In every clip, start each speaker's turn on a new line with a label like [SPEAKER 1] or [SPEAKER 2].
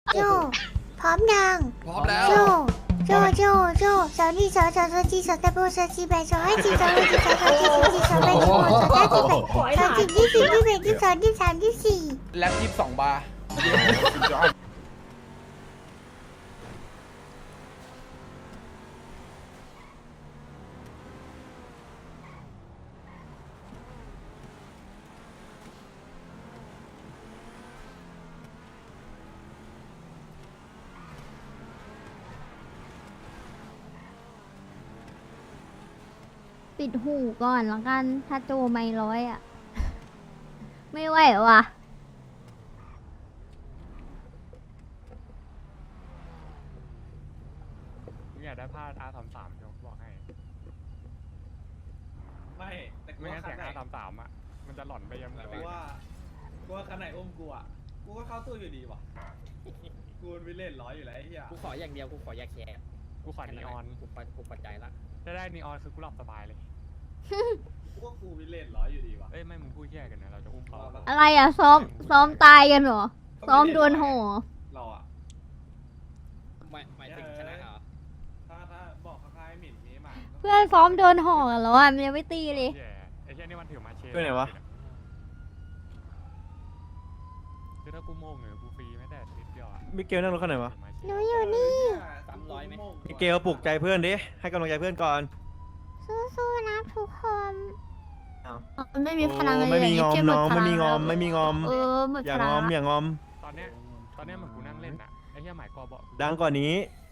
[SPEAKER 1] โจพร้อมยัง
[SPEAKER 2] พร้อมแล้ว
[SPEAKER 1] โจสาวนี่สาวจีสาวตะโบสาวจีแบสาวให้จีสาวให้จีสาวจีสาวแบสาวสาวจีแบสาวจีที่สี่ที่แบที่สองที่สามที่สี่
[SPEAKER 2] แล็บ22 บาร์
[SPEAKER 3] ปิดหูก่อนแล้วกัน ถ้าโจไม่ร้อยอ่ะ ไม่ไหวว่ะ
[SPEAKER 4] มึงอยากได้ผ้า R33 เดี๋ยวบอกให้
[SPEAKER 5] ไม่แต่กู
[SPEAKER 4] ไม่งั้
[SPEAKER 5] ว่าน
[SPEAKER 4] เสี
[SPEAKER 5] คั
[SPEAKER 4] ยง
[SPEAKER 5] นไหน
[SPEAKER 4] R33 อ่ะ มันจะหล่อนไปยังไง
[SPEAKER 5] กูว่าคันไหนอุ้มกูอ่ะกูก็เข้าตู้อยู่ดีว่ะกูไม่เล่นร้อยอยู่แล้วไอ้เหี้ย
[SPEAKER 6] กูขออย่างเดียว กูขออยาแคร์
[SPEAKER 4] กูขอนีออน
[SPEAKER 6] กูปัจจัยละ
[SPEAKER 4] ถ้าได้นีออนคือกูหลับสบายเลย
[SPEAKER 5] กูว่ากูไม่เล่นร้อยอยู่ดีว่ะ
[SPEAKER 4] เอ้ย ไม่ มึงพูดแย่กันนะ เราจะอุ้มเขา
[SPEAKER 3] อะไรอ่ะ ซ้อมตายกันเหรอ ซ้อมดวลโห
[SPEAKER 5] เราอ่ะ
[SPEAKER 6] หมายถึงชนะเหรอ
[SPEAKER 5] ถ้าบอกข้างๆให้หมิ่นนี้มา
[SPEAKER 3] เพื่อนซ้อมโดนห่อกันแล้วอ่ะมันยังไม่ตีเลย
[SPEAKER 4] แย่ไอ้เช่นนี่มันถือมาเชฟ
[SPEAKER 7] เพื่อนไหนวะ
[SPEAKER 4] คือถ้ากูโม่งเหรอกูฟรีไม่ได้นิดเดียวอะ
[SPEAKER 7] มิเกลนั่งรถคันไหนวะ
[SPEAKER 3] หนูอยู่นี่
[SPEAKER 6] 300ไหม
[SPEAKER 7] มิเกลปลุกใจเพื่อนดิ ให้กำลังใจเพื่อนก่อน
[SPEAKER 3] สู้ๆนะทุกคน
[SPEAKER 1] ไม่มีพลังอะไร
[SPEAKER 7] ไม่มีงอมน้องไม่มีงอมไม่มีงอม
[SPEAKER 1] หมด
[SPEAKER 7] อย่า
[SPEAKER 1] พ
[SPEAKER 7] ง
[SPEAKER 1] ลั
[SPEAKER 7] อมอย่างอม
[SPEAKER 4] ตอนเนี้ยเหมือนกูนั่งเล่นอะไอ้เหี้ยหมายกอบอก
[SPEAKER 7] ดังกว่านี้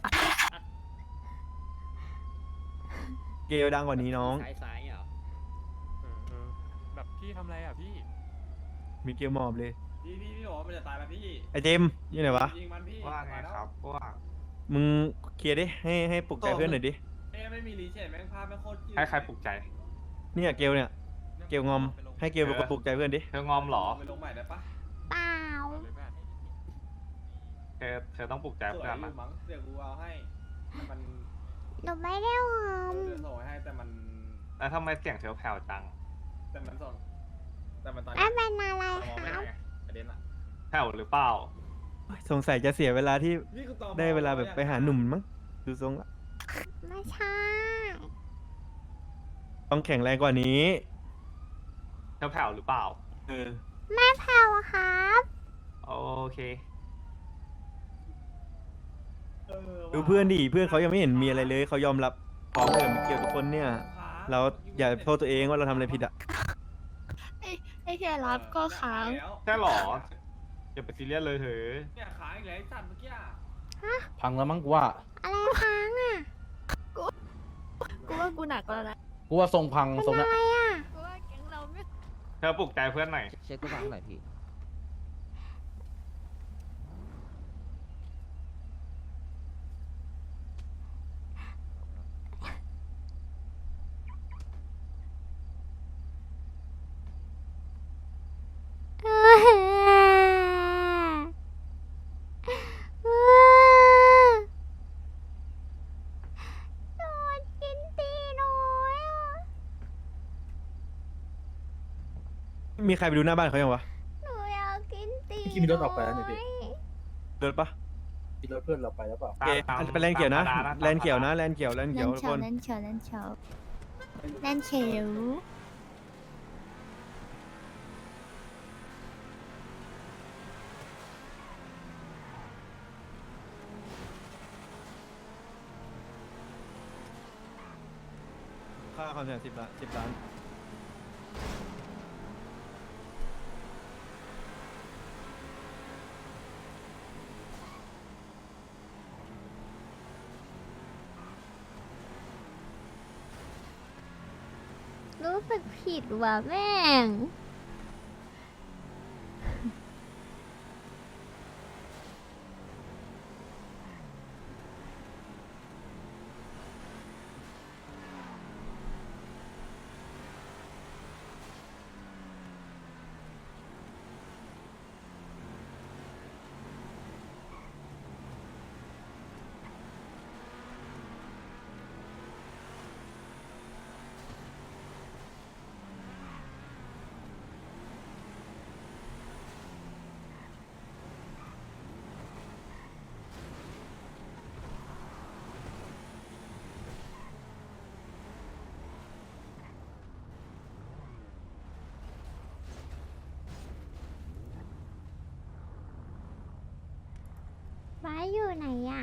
[SPEAKER 7] เกลดังกว่านี้น้อง
[SPEAKER 6] ซ้ายเหรอ
[SPEAKER 4] เออแบบพี่ทำอะไรอะพี่
[SPEAKER 7] มิเกลหมอบเลย
[SPEAKER 5] พี่บอกว่ามันจะตายแล้วพี่
[SPEAKER 7] ไอเจมส์อยู่ไหนวะ
[SPEAKER 5] ยิงมันพี่
[SPEAKER 8] ว่าไงครับว่า
[SPEAKER 7] มึงเคลียร์ดิ ให้ปลุกใจเพื่อนหน่อยดิ
[SPEAKER 5] ไม่มีรีเชนแม่งภาพไม่โคตรยืด
[SPEAKER 8] ให้ใครปลุกใจ
[SPEAKER 7] เนี่ยเกลเนี่ย เกลงอม ให้เกลเป็นคนปลุกใจเพื่อนดิ
[SPEAKER 8] เธองอมเหรอ
[SPEAKER 5] ไปลงใหม่ได้ปะ
[SPEAKER 3] เปล่า
[SPEAKER 4] เลยแม่
[SPEAKER 8] เธอต้องปลุกใจ
[SPEAKER 5] สวย
[SPEAKER 8] เพื่อน
[SPEAKER 5] อ
[SPEAKER 8] นะ
[SPEAKER 5] ยู่มั้งเดี๋ยวกูเอาให้แต่มัน
[SPEAKER 3] หนูไม่ได้หอม
[SPEAKER 5] เดี๋ยวส่งให้แต่มัน
[SPEAKER 8] แล้วทำไมเสียงเธอแผ่วจัง
[SPEAKER 5] แต่มันส่งแต่มันตอน
[SPEAKER 3] ไม่เป็นอะไร
[SPEAKER 5] มอง
[SPEAKER 3] ค
[SPEAKER 5] ไม่
[SPEAKER 3] รั
[SPEAKER 5] ได้
[SPEAKER 3] บ
[SPEAKER 5] ไงประเด็นอะ
[SPEAKER 8] แผ่วหรือเปล่า
[SPEAKER 7] สงสัยจะเสียเวลาที่
[SPEAKER 5] นี่กูตอมอ
[SPEAKER 7] ได้เวลาแบบไปหาหนุ่มมั้ง ดูทรงละ
[SPEAKER 3] ไม่ใช่
[SPEAKER 7] ต้องแข็งแรงกว่านี้
[SPEAKER 8] เธอแผ่วหรือเปล่า
[SPEAKER 7] เออ
[SPEAKER 3] ไม่แผ่วครับ
[SPEAKER 8] โอเค
[SPEAKER 7] ดูเพื่อนดิ เพื่อนเขายังไม่เห็นมีอะไรเลย เขายอมรับพร้อมกับมิเกลทุกคนเนี่ย เราอย่าโทษตัวเองว่าเราทำอะไรผิดอ่ะ
[SPEAKER 1] ไอ้แค่รับก็ค้าง
[SPEAKER 8] ใช่หรอ อย่าไปซีเรียสเลยเถอะ
[SPEAKER 5] เนี่ยค้างอีกแล้วไอ้สัตว์เมื่อกี้อะ
[SPEAKER 2] พังแล้วมั้งกูว่า
[SPEAKER 3] อะไรค้างอ่ะ
[SPEAKER 1] กูว่ากูหนักแล้วนะ
[SPEAKER 2] กูว่าทรงพังทรง
[SPEAKER 3] อะ
[SPEAKER 2] นะ
[SPEAKER 3] ไรอ่ะ
[SPEAKER 1] กูว่าแก๊งเราไม่
[SPEAKER 8] เธอปลุกใจเพื่อนหน่อย
[SPEAKER 9] เช็คกูฟังหน่อยพี่
[SPEAKER 3] โดนกินตีน้อยอ่ะ
[SPEAKER 7] มีใครไปดูหน้าบ้านเขายังวะ
[SPEAKER 3] หนูอยากกินตี
[SPEAKER 10] พี่มีรถออกไปแล้วนี่พี่
[SPEAKER 7] เดินปะ
[SPEAKER 10] มีรถเพื่อนเราไปแล้วเปล่า
[SPEAKER 7] โอเคอันเป็นแลนเขียวนะ แลนเขียวนะ แลนเขียว แลนเขียวทุกคน
[SPEAKER 3] เล่นเขียวเล่นเขียว
[SPEAKER 7] ค่าความเสี่ยง10 ล้าน
[SPEAKER 3] รู้สึกผิดว่ะแม่ง
[SPEAKER 1] ฟ้าอยู่ไหนอ่ะ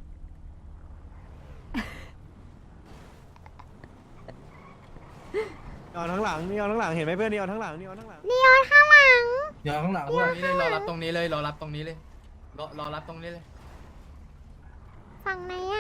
[SPEAKER 7] นีออนทั้งหลังนีออนทั้งหลังเห็นไหมเพื่อนนีออนทั้งหลังนีออนทั้งหลัง
[SPEAKER 1] นีออนข้างหลัง
[SPEAKER 10] เดี๋ยวข้างหลังด้วย
[SPEAKER 6] นี่เลยรอรับตรงนี้เลยรอรับตรงนี้เลยรอรับตรงนี้เลย
[SPEAKER 1] ฝั่งไหนอ่ะ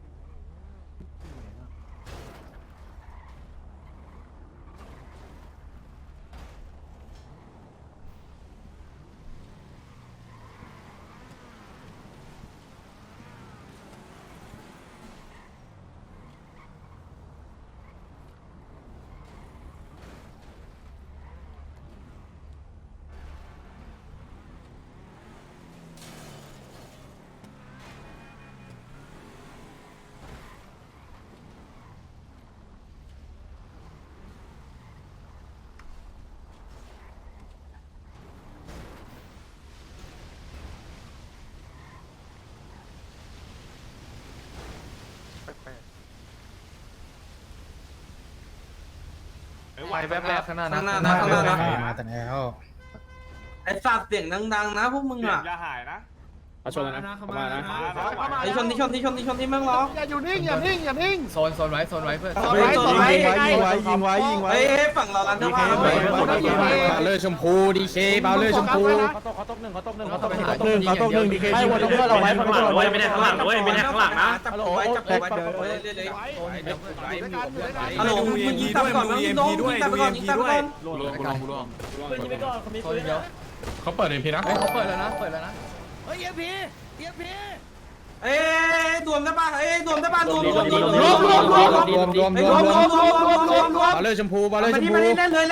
[SPEAKER 8] ไหวแป๊บๆข้างหน้านะ
[SPEAKER 10] มาแต่แล้วไอ้สัตว์เสียงดังๆนะพวกมึง
[SPEAKER 8] เสีย
[SPEAKER 10] อ่ะ
[SPEAKER 8] งอย่าหายนะ
[SPEAKER 6] มาชนแล้วนะเข้ามานะ
[SPEAKER 10] ไอ้ชนที่แม่งร้อง
[SPEAKER 2] อย่าอยู่นิ่งอย่านิ่ง
[SPEAKER 6] โซนไว้เพื่อน
[SPEAKER 7] ยิงไว้
[SPEAKER 10] เฮ้ยฝั่งเราลันเทอร์บ้า
[SPEAKER 6] บาเลอร์ชมพูดีเคบาเลอร์ชมพู
[SPEAKER 2] เขาตกหนึ่ง
[SPEAKER 7] ดีเค
[SPEAKER 2] ให้วนเพื่อนเราไว้ข้างหลัง
[SPEAKER 8] ไม่ได้ข้างหลังด้วยไม่ได้ข้างหลังนะ
[SPEAKER 10] จับตัวไว้จับตัวไว้ฮัลโหลมึงยิงตับก่อนมึงยิงตับก่อนยิงตับก่อน
[SPEAKER 6] โซนเดียว
[SPEAKER 4] เขาเปิดเอ็มพีนะ
[SPEAKER 6] เขาเปิดแล้วนะ
[SPEAKER 10] เอ้ยดวมได้ป่ะเอ้ยดวมได้ป่ะดวม
[SPEAKER 6] บาเลอร์ชมพู
[SPEAKER 10] มาเล่นเลยเล่น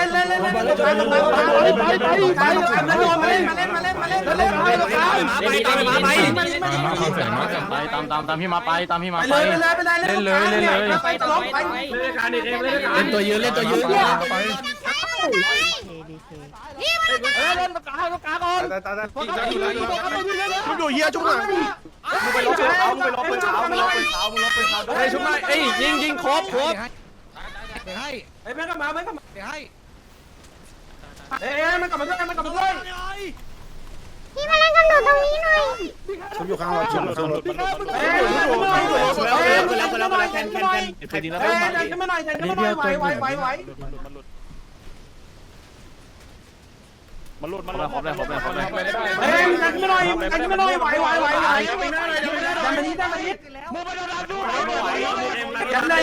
[SPEAKER 2] ตามพี่มาไป
[SPEAKER 10] ไป
[SPEAKER 6] ตัวยืน
[SPEAKER 2] เล่นตรงกลางก่อนชุบอยู่เฮียชุบหน่อยมึงไปลบปืนเช้ามึงลบปืนเช้าไอ้ชุบหน่อยไอ้ยิงครบ
[SPEAKER 10] ไอ้แม่กลับมาเอ้ยมันกลับมาด้วย
[SPEAKER 1] พี่มาเล่นกับหนูตรงนี้หน่อย
[SPEAKER 10] ชุบอยู่ข้างรถชุบอยู่ข้างรถ เอ้ยเดินขึ้นมาหน่อยไหว
[SPEAKER 2] มันหลุดครบเลย
[SPEAKER 10] เฮ้ยดันขึ้นมาหน่อยไหวดันมานี้มึงไปโดนดันด้วยยันเลย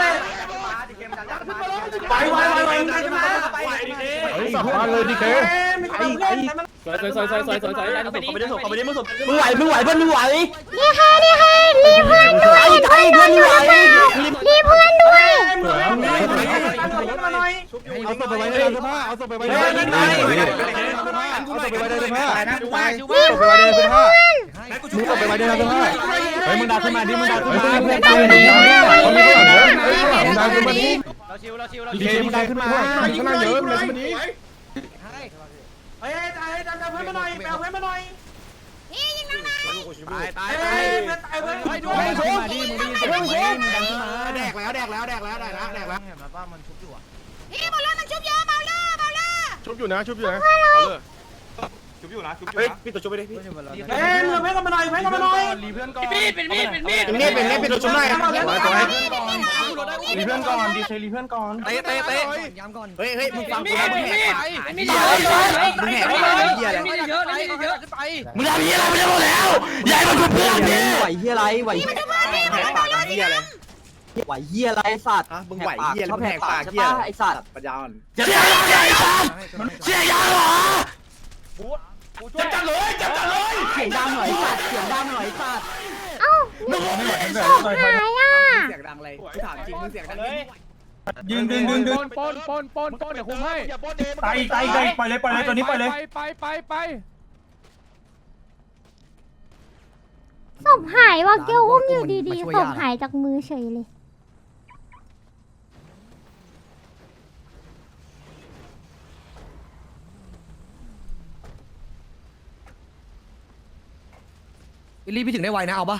[SPEAKER 10] ไหวดันขึ้นมา
[SPEAKER 2] สับมาเลยดีเค
[SPEAKER 10] ไม่กลับเพื่อน
[SPEAKER 6] ไม่ได้ส่งเขาไม่ได้มึงส่ง
[SPEAKER 2] มึงไหวเพื่อนมึงไหว
[SPEAKER 1] นี่ใครรีเพื่อนด้วยรีเพื่อนด้วย
[SPEAKER 7] เอาศพไปไว้ในเสื้อผ้าเอาศพไปไว้ในเสื้อผ้าเฮ้ยมึงดักขึ้นมาดิมึงดักขึ้นมาเพื่อนตายเลยมึงดักขึ้นมาดิดีเคมึงดักขึ้นมาข้างหน้าเยอะมึงดักขึ้นมาดิ
[SPEAKER 10] เฮ้ยดันเพื่อนมาหน่อยแปลเพื่อนมาหน่อย
[SPEAKER 1] นี่ยิงน้องนะ
[SPEAKER 10] ตายเพื่อนเพื่อน
[SPEAKER 7] มึงดักขึ้นมาดิมึงดักขึ้นมาแดกแล้ว
[SPEAKER 1] นี่บอลลูนมันชุบเยอะเบาเลอร์
[SPEAKER 2] ชุบอยู่นะ
[SPEAKER 8] ชุบอยู่นะพี่ตัวชุบไปดิพี่
[SPEAKER 10] เฮ้ยเพื่อนกันมาหน่อย
[SPEAKER 2] รีเพื่อนก่อน
[SPEAKER 6] เป็นมีด
[SPEAKER 2] เป็นตัวชุบได้ครับรีเพื่อนก่อนดีเครีเพื่อนก่อนเตะย้ำก่อนเฮ้ยมึงฟังกูนะมึงแหกมึงแหกเหี้ยอะไร
[SPEAKER 6] เยอะไป
[SPEAKER 2] มึงทำเหี้ยอะไรไม่ได้หมดแล้วใหญ่มาชุบเพื่อนดิ
[SPEAKER 9] ไหวเฮียอะไรไหว
[SPEAKER 1] นี่มันชุบเพื่อนนี่มันชุบเพื่อน
[SPEAKER 2] เหี้ยอะไร
[SPEAKER 9] ไหวเฮียอะไรสัตว์
[SPEAKER 2] มึงไหวเหี้ย
[SPEAKER 9] ชอบ
[SPEAKER 2] แห
[SPEAKER 9] แห
[SPEAKER 2] ก
[SPEAKER 9] ก
[SPEAKER 2] ปา
[SPEAKER 9] ปาก ก
[SPEAKER 2] เหี้
[SPEAKER 9] ใช่
[SPEAKER 2] ย
[SPEAKER 9] ปะไอสัตว์
[SPEAKER 2] ปัญญาอ่อน
[SPEAKER 7] เสียยาเหรอ
[SPEAKER 2] จัดเลยจัดเลย
[SPEAKER 9] เสียงดังหน่อยสัตว์เสียงดังหน่อยสัตว์
[SPEAKER 1] เอ้าศพหายอ่ะ
[SPEAKER 9] เสียงดังเลยกูถามจริงมึงเสียงดัง
[SPEAKER 7] ดึง
[SPEAKER 4] ปนเดี๋ยวคุมให้
[SPEAKER 7] ตายปล่อยเลยตัวนี้ปล่อยเลย
[SPEAKER 4] ไป
[SPEAKER 1] ศพหายว่ะเกี้ยวอุ้มอยู่ดีๆศพหายจากมือเฉยเลย
[SPEAKER 9] รีบไปถึงได้ไวนะเอาปะ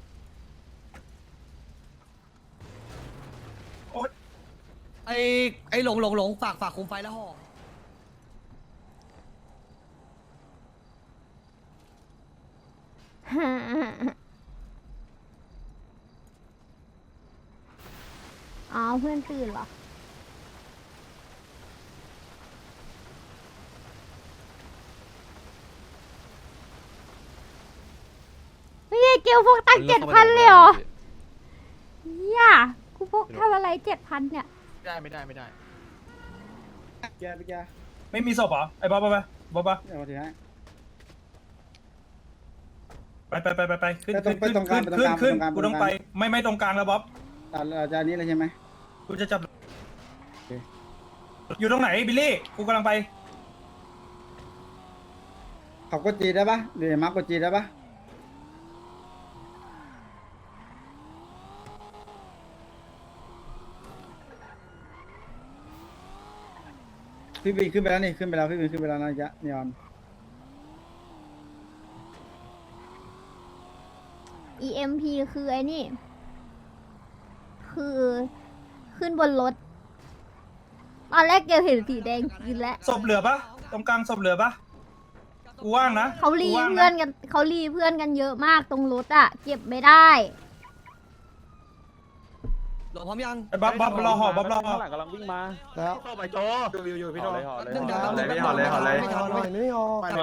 [SPEAKER 9] ไอ้หลงฝากคุมไฟแล้วห่อ
[SPEAKER 3] อ๋อเพื่อนตื่นเหรอเฮ้ยเกลพวกตัง7,000เลยเหรอเนี่ยกูพกทำอะไร7,000เนี่ย
[SPEAKER 6] ไม่ได้
[SPEAKER 10] แกไปแก
[SPEAKER 5] ไม่มีศพเหรอไอ้บ๊อบบ๊อบ
[SPEAKER 10] เดี๋ยวถือให้
[SPEAKER 5] ไปขึ้นกูต้องไปไม่ตรงกลางแล้วบ๊อบ
[SPEAKER 10] เราจะนี้เลยใช่ไหม
[SPEAKER 5] กูจะจับอยู่ตรงไหนบิลลี่กูกำลังไป
[SPEAKER 10] เขากดจีได้ปะหรือมาร์กกดจีได้ปะพี่บีขึ้นไปแล้วนี่ขึ้นไปแล้วพี่บีขึ้นไปแล้วนะจ๊ะนีออน
[SPEAKER 3] EMP คือไอ้นี่ คือขึ้นบนรถ ตอนแรกเกลเห็นสีแดงกินแล้ว
[SPEAKER 5] ศพเหลือปะตรงกลางศพเหลือปะกูว่างนะ
[SPEAKER 3] เขารีเพื่อนกันเขารีเพื่อนกันเยอะมากตรงรถอะเก็บไม่ได้
[SPEAKER 9] หลวงพร้อมยัง
[SPEAKER 5] ไอ้บ๊อบรอห่อบ๊อบรอห่อ
[SPEAKER 7] กำลังวิ่งมาแล้ว
[SPEAKER 2] เข้าไปโจอยู่พี่โจ
[SPEAKER 9] เรื่องเดิม
[SPEAKER 2] ไม่ห่อเลย
[SPEAKER 10] ไม่ออก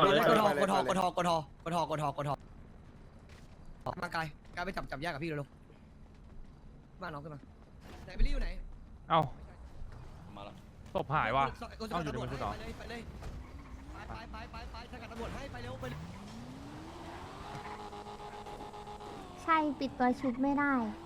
[SPEAKER 9] กดมากายไปจับแยกกับพี่เร็วมาน้องขึ้นมาไหนไปรีอยู่ไหน
[SPEAKER 4] เอ้าศพหายว่ะเอาอยู่ในมือคุณเหรอ
[SPEAKER 9] ไปเลยไปสกัดตำรวจให้ไปเร็วไป
[SPEAKER 3] ใช่ปิดตัวชุบไม่ได้
[SPEAKER 9] ไ